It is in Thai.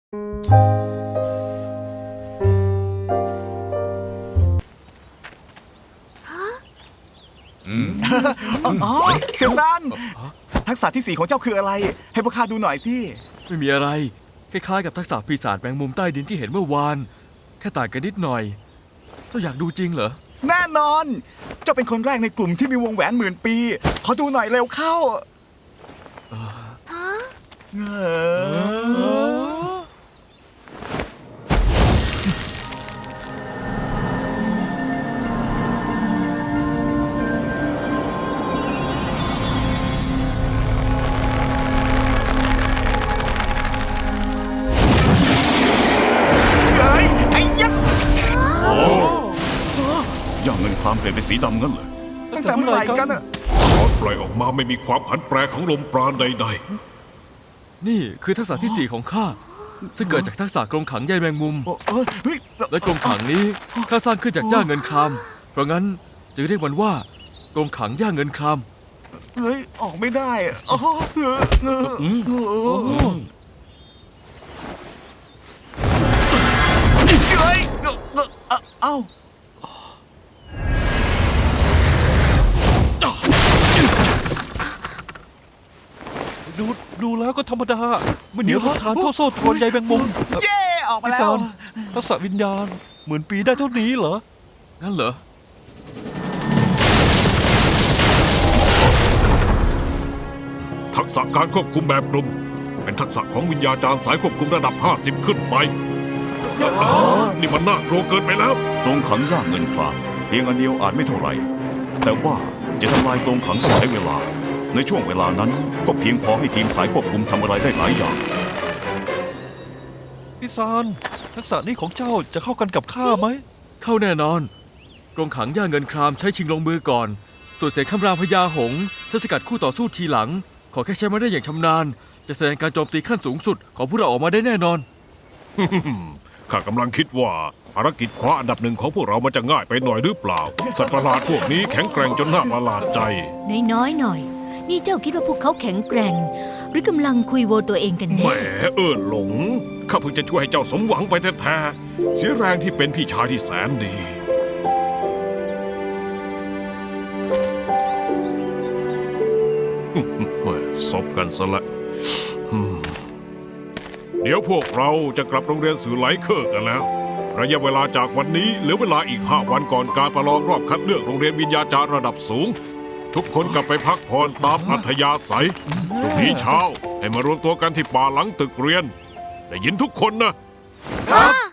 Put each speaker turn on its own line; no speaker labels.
อ๋อเซียวซานทักษะที่4ของเจ้าคืออะไรให้พวกข้าดูหน่อยสิ
ไม่มีอะไรคล้ายๆกับทักษะปีศาจแมงมุมใต้ดินที่เห็นเมื่อวานแค่ต่างกันนิดหน่อยเจ้าอยากดูจริงเหรอ
แน่นอนเจ้าเป็นคนแรกในกลุ่มที่มีวงแหวน10,000 ปีขอดูหน่อยเร็วเข้า
ย่างเงินครามเปลี่ยนเป็นสีดำงั้นเหรอ
ตั้งแต่เมื่อไหร่กันอะ
ตอนปล่อยออกมาไม่มีความผันแปรของลมปราณใด
นี่คือทักษะที่4ของข้าซึ่งเกิดจากทักษะกรงขังใยแมงมุมและกรงขังนี้ข้าสร้างขึ้นจากหญ้าเงินครามเพราะงั้นจึงเรียกมันว่ากรงขังหญ้าเงินคราม
เฮ้ยออกไม่ได้เอ้า
ดูแล้วก็ธรรมดาไม่เหนียวทนทานเท่าโซ่ตรวนใยแมงมุม
เย่ออกมา
พี่
แล้
ซาว นทักษะวิญญาณ10,000 ปีได้เท่านี้เหรอ
งั้นเหรอ
ๆทักษะการควบคุมแบบกลุ่มเป็นทักษะของวิญญาจารย์สายควบคุมระดับ50ขึ้นไปนี่มันน่ากลัวเกินไปแล้ว
กรงขังย่างเงินครามเพียงอันเดียวอาจไม่เท่าไหร่แต่ว่าจะทำลายกรงขังต้องใช้เวลาในช่วงเวลานั้นก็เพียงพอให้ทีมสายควบคุมทำอะไรได้หลายอย่าง
พี่ซานทักษะนี้ของเจ้าจะเข้ากันกับข้าไหม
เข้าแน่นอนกรงขังหญ้าเงินครามใช้ชิงลงมือก่อนส่วนเสกคำรามพญาหงส์ใช้สกัดคู่ต่อสู้ทีหลังขอแค่ใช้มาได้อย่างชำนาญจะแสดงการโจมตีขั้นสูงสุดของพวกเราออกมาได้แน่นอน
ข้ากำลังคิดว่าภารกิจคว้าอันดับ1ของพวกเรามันจะง่ายไปหน่อยหรือเปล่าสัตว์ประหลาดพวกนี้แข็งแกร่งจนน่าประหลาดใจ
น้อยหน่อยนี่เจ้าคิดว่าพวกเขาแข็งแกร่งหรือกำลังคุยโวตัวเองกัน
แหม
แน่
หลงข้าเพิ่งจะช่วยให้เจ้าสมหวังไปแท้ๆเสียแรงที่เป็นพี่ชายที่แสนดีซบกันซะละเดี๋ยวพวกเราจะกลับโรงเรียนสื่อไหลเคอร์กันแล้วระยะเวลาจากวันนี้เหลือเวลาอีก5 วันก่อนการประลองรอบคัดเลือกโรงเรียนวิญญาจารย์ระดับสูงทุกคนกลับไปพักผ่อนตามอัธยาศัยพรุ่งนี้เช้าให้มารวมตัวกันที่ป่าหลังตึกเรียนได้ยินทุกคนนะครับ